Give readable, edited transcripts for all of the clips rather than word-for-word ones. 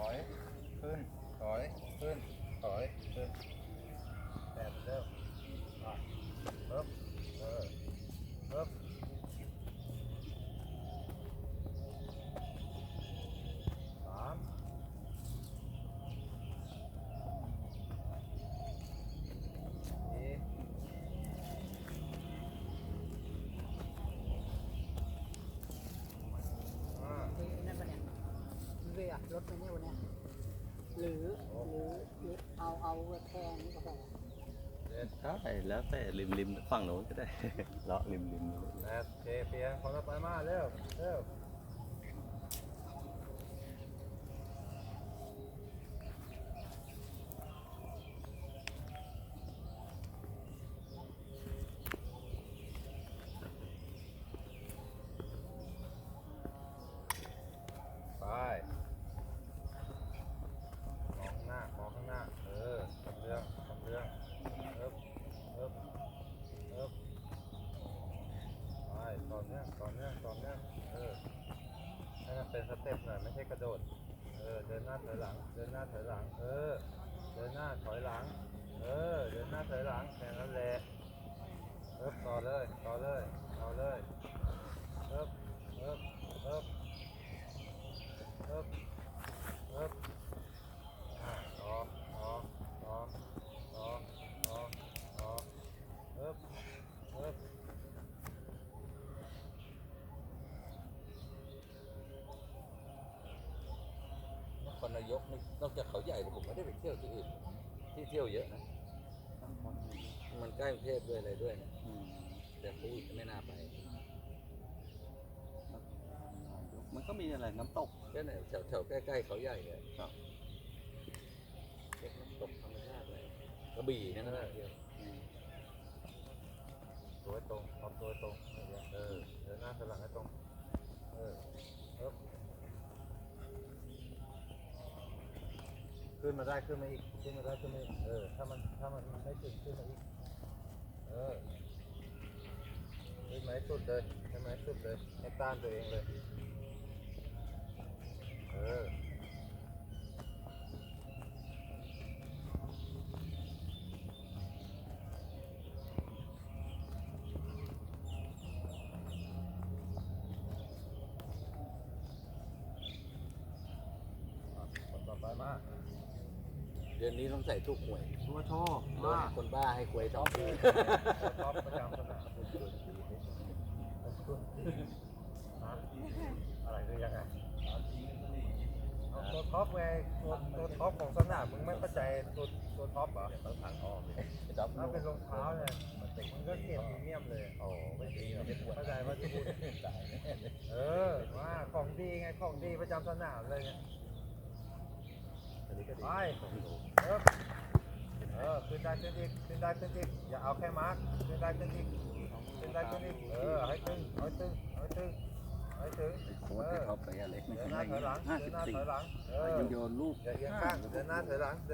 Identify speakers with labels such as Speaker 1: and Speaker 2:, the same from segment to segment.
Speaker 1: อยขึ้นถอยขึ้นถอยขึ้นแต่เร็วปึ๊บปึ๊บสามสี่ห้า
Speaker 2: นั่นปะเนี่ยเรือรถไปเนี่ยวันเนี้ยหรือเอาแทงนี่ก็พอ
Speaker 3: ใช่แล้วแต่ริมฝั่งโน้นก็ได้ เลาะริม
Speaker 1: แปดเเปลี่ยนคนละไปมาเร็วเร็วไปมองข้างหน้าทำเรื่องเอิบไปต่อเนื่องให้มันเป็นสเต็ปหน่อยไม่ใช่กระโดดเดินหน้าถอยหลังเดินหน้าถอยหลังเดินหน้าถอยหลังเดินหน้าถอยหลังแค่นั้นแหละต่อเลยเอิบต่อ
Speaker 3: คนนายกนอกจากเขาใหญ่ผมไม่ได้ไปเที่ยวที่อื่นที่เที่ยวเยอะนะมันใกล้กรุงเทพด้วยอะไรด้วยนะแต่พูดไม่น่าไปมันก็มีอะไรน้ำตกแค่ไหนแถวใกล้ๆเขาใหญ่เลยน้ำตกธรรมชาติเลยกระบี่นั่นนะเที่ยว
Speaker 1: ตัวตรงทำตัวตรงเดินหน้าถอยหลังให้ตรงขึ้นมาได้ขึ้นมาอีกถ้ามันไม่ถึงขึ้นมาอีกขึ้นมาให้สุดเลยให้ต้านตัวเองเลยคนต่อไปมา
Speaker 3: เดือนนี้ต้องใส่ทุกหวย
Speaker 1: ตัวโชว์
Speaker 3: โดนคนบ้าให้หวยสองที
Speaker 1: ท็อปประจำสนามอะไรคือยังไงตัวท็อปไงตัวท็อปของสนามมึงไม่เข้าใจตัวท็อปเหรอ
Speaker 3: ต้องทางอ้อมเลย
Speaker 1: ถ้าเป็นรองเท้าเนี่ยมันก็เกรดพรีเมียมเลยไม่ดีเข้าใจว่าจะพูดว่าของดีไงของดีประจำสนามเลยไงไปขึ้นได้ขึ้นอีกอย่าเอาแค่มาร์คขึ้นได้ขึ้นอีกให้ตึงให้ถึง
Speaker 3: โค้ชที่เขาไปอะไรไม่
Speaker 1: เดินห
Speaker 3: ใช่
Speaker 1: น้าถอยหลัง
Speaker 3: ยังโยนลูก
Speaker 1: อย่าเอียงข้างเดินหน้าถอยหลัง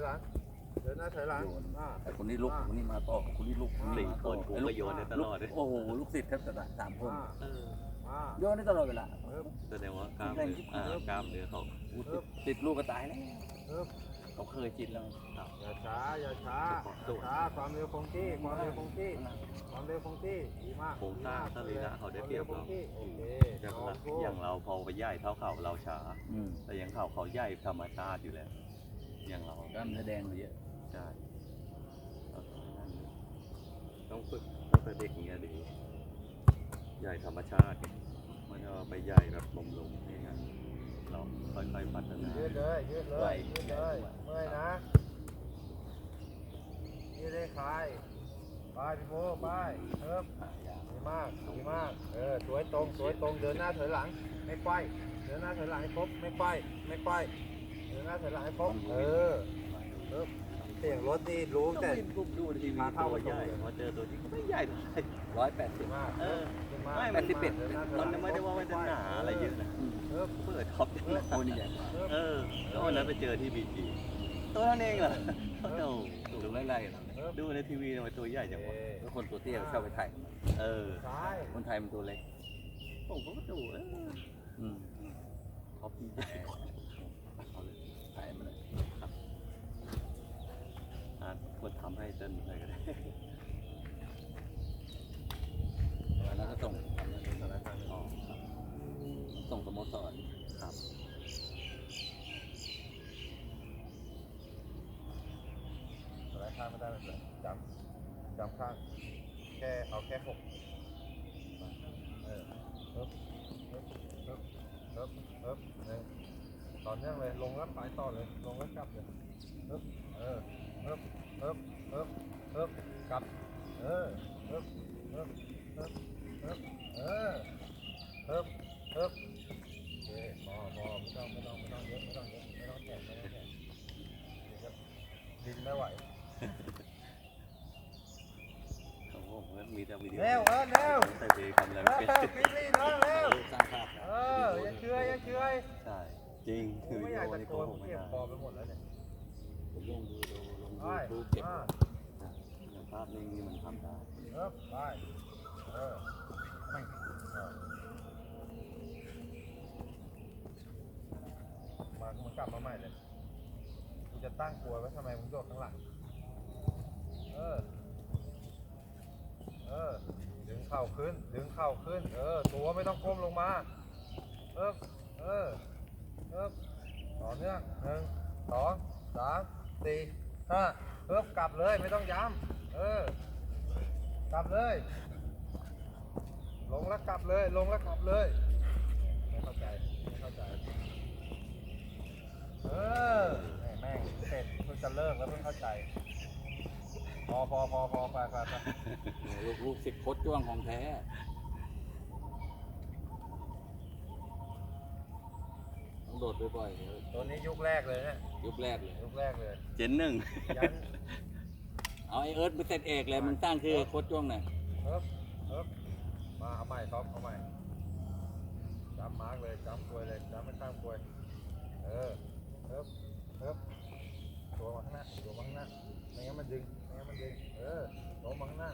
Speaker 3: แต่คนนี้ลูกคนนี้มาต่อคนนี้ลูก
Speaker 4: 4 คนกูก็โยนได้ตลอดเลย
Speaker 3: โอ้โหลูกศิษย์แทบจะสามคน
Speaker 1: มา
Speaker 3: โยนได้ตลอดเวลา
Speaker 4: แสดงว่ากล้ามเนื้อเขา
Speaker 3: ติดลูกก็ตายแล้วเขาเคยจิตแล้ว
Speaker 1: อย่าช้าความเร็วคงที่ดีมาก
Speaker 4: โครงสร้างสรีระเขาได้เปรียบเรา
Speaker 1: โอเค
Speaker 4: อย่างเราพอไปใหญ่เท่าเขาเราช้าแต่อย่างเขาใหญ่ธรรมชาติอยู่แล้วอย่างเรา
Speaker 3: กล้ามเนื้อแดงเยอะ
Speaker 4: ใช่ต้องฝึกตั้งแต่เด็กอย่างเงี้ยดีใหญ่ธรรมชาติมันจะไปใหญ่แบบลมๆอย่างเงี้ยเราค่อยๆพัฒนา
Speaker 1: ยืดเลยเมื่อยนะยืดได้คลายไปพี่โบไปดีมากสวยตรงเดินหน้าถอยหลังไม่ไขว้เดินหน้าถอยหลังให้ครบไม่ไขว้เดินหน้าถอยหลังให้ครบเสียงรถนี่รู้แต่
Speaker 4: ดูทีวีตัวใหญ่พอเจอตัวที่ไม่ใหญ่เท่าไหร่
Speaker 3: 180
Speaker 1: มาก
Speaker 4: ไม่มันไม่ได้ว่ามันจะหนาอะไรเยอะนะเปิดท็อปยังไง
Speaker 3: โอ้นี่ใหญ่
Speaker 4: ก็วันนั้นไปเจอที่บีจีตัวนั้นเองเหรอโอ้โห
Speaker 3: ดูไล่ๆเรา
Speaker 4: ดูในทีวีทำไมตัวใหญ่จังวะ
Speaker 3: แล้วคนตัวเตี้ยชอบไปถ่าย
Speaker 1: ซ้าย
Speaker 3: คนไทยมันตัวเล็ก
Speaker 4: ผมก็ดูท็อปใหญ่ำให้เต้นอะไรก็ได้
Speaker 3: แล้วก็ส่ง
Speaker 1: สารคาม
Speaker 4: อ๋อครับ
Speaker 3: ส่งสโมสร
Speaker 4: ครับ
Speaker 1: สารคามไม่ได้เลยจำข้างเอาแค่6ต่อเนื่องเลยลงแล้วไปต่อเลยลงแล้วกลับเลยกลับโอเคพอไม่ต้องเยอะไม่ต้องแข่งดินไม่ไหว
Speaker 4: โอ้โหมันมีแต่วิดีโอ
Speaker 1: เร็ว
Speaker 4: แต่เพลงทำอะไรไม่เป็น
Speaker 1: ปิดลีน้องเร็ว
Speaker 3: สร้างภาพ
Speaker 1: ยังเชื่อย
Speaker 4: ใช่จริงคือ
Speaker 1: ไม่
Speaker 4: วิ
Speaker 1: อ
Speaker 4: ดี
Speaker 1: ยาก
Speaker 4: โอ
Speaker 1: จะ
Speaker 4: นี่
Speaker 1: โก
Speaker 4: โก
Speaker 1: น
Speaker 4: หกไม่
Speaker 1: เก็บ
Speaker 4: ได้
Speaker 1: คอไปหมดแล้วเนี่ย
Speaker 3: ผมลงดูลง
Speaker 1: ไป
Speaker 3: ดูเก็บ
Speaker 4: อย่างภาพนิ่งนี่มันทำได้
Speaker 1: ไปมันกลับมาใหม่เลยกูจะตั้งกลัวไว้ทำไมมึงโดดข้างหลังดึงเข่าขึ้นตัวไม่ต้องก้มลงมาต่อเนื่อง1 2 3 4 5กลับเลยไม่ต้องย้ำกลับเลยลงแล้วกลับเลยไม่เข้าใจแม่งเสร็จเพิ่งจะเลิกแล้วเพิ่งเข้าใจพอไป
Speaker 3: ลูกศิษย์โคตรจ้วงของแท้ต้องโดดบ่อยๆ
Speaker 1: ตัวนี้ยุคแรกเลยเนี่ย
Speaker 3: ยุคแรกเลย
Speaker 4: เจนหนึ่ง
Speaker 1: ยัน
Speaker 3: เอาไอเอิร์ธไปเซตเอกเลยมึงตั้งคือโคตรจ้วงหน่อย
Speaker 1: มาเอาใหม่ท็อปเอาใหม่จำมาร์กเลยจำกลวยเลยจำไม่ข้ามกลวยตัวมาข้างหน้าไม่งั้นมันดึงโน้มมาข้างหน้า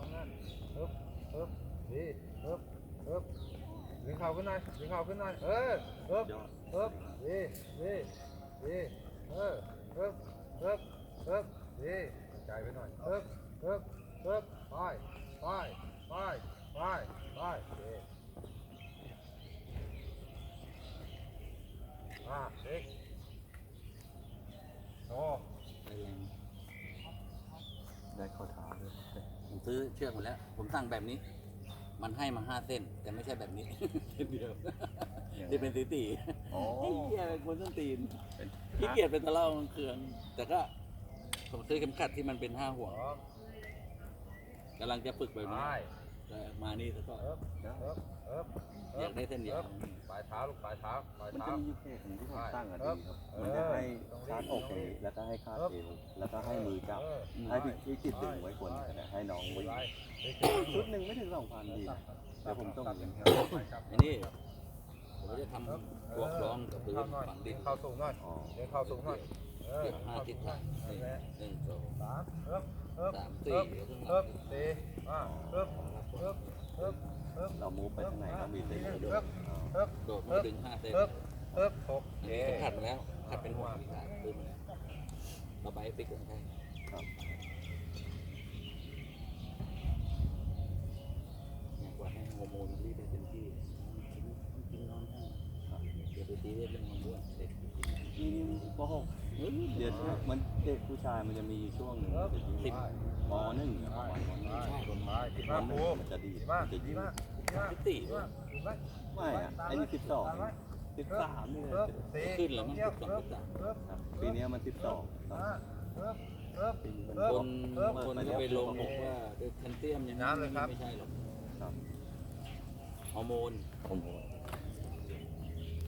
Speaker 1: ดีดึงเข่าขึ้นหน่อยดี
Speaker 4: ยอด
Speaker 1: ดีใจไปหน่อยไปเด็กโอ้
Speaker 4: ได้ข้อเท้าด้วย
Speaker 3: ผมซื้อเชือกหมดแล้ว ผมสั่งแบบนี้ มันให้มา5 เส้น แต่ไม่ใช่แบบนี้ เส้นเดียวที่เป็นตี
Speaker 4: อ๋อ
Speaker 3: ไอ้เหี้ยเป็นคนต้นตีน
Speaker 4: เป็น
Speaker 3: ขี้เกียจเป็นตะเล่าเครื่องแต่ก็ผมซื้อเข็มขัดที่มันเป็น5 ห่วงกำลังจะฝึกแบบนี้แต่มานี่แล้วก็อยากได้เส้นเดียว
Speaker 1: ปลายเท้าลูกปลายเท้า
Speaker 4: มันจะมีเพจหนึ่งที่ผมตั้งอ่ะดีครับมันจะให้คาดอกอย่างนี้แล้วก็ให้คาดเอวแล้วก็ให้มือจับให้พี่จิตดึงไว้คนให้น้องวิ่งชุดหนึ่งไม่ถึง2,000ดีนะแต่ผมต้องเงิน
Speaker 3: อันนี้ผมจะทำบวกร้องกับพื้นฝังดิน
Speaker 1: เข้าสูงหน่อย
Speaker 4: อ๋อ
Speaker 1: เดี๋ยวเข้าสูงหน่อย
Speaker 3: เก็บ5 ทิศทาง1 2
Speaker 1: 3
Speaker 3: 3 4แล้วขึ้นมา
Speaker 4: เรามูฟไปทางไหนก็มีเส้นเดียว
Speaker 3: โดดมาดึง5 เส้น
Speaker 1: 6
Speaker 3: อันนี้ขัดมาแล้วขัดเป็นห่วงที่ขาปืนมาแล้วเราไปปิกลงใช่
Speaker 4: ครับ
Speaker 3: อยากว่าให้ฮอร์โมนรีบได้เต็มที่กินนอนให้เดี๋ยวไปตีเรื่องมันด้วยเด็ก
Speaker 4: นี่ป .6 เดี๋ยวมันเด็กผู้ชายมันจะมีช่วงหนึ่งจะที่ม .1 ประมาณม
Speaker 3: ใช่ผม
Speaker 1: ดีมากครู
Speaker 4: มันจะดี
Speaker 1: ดีมาก
Speaker 4: จะ
Speaker 1: ดี
Speaker 4: ยืด
Speaker 1: มาก
Speaker 3: พิตีด้วย
Speaker 4: ไม่อ่ะไอ้นี่12 13นี่เลย
Speaker 3: ขึ้นแล้วมัน12
Speaker 4: ครับปีนี้มัน12ปีนี้มัน
Speaker 3: คนก็ไปลงบอกว่าด้วยแคลเซียมอย่างนั้นไม่ใช่หรอก
Speaker 4: ครับ
Speaker 3: ฮอร์โมน
Speaker 4: ผม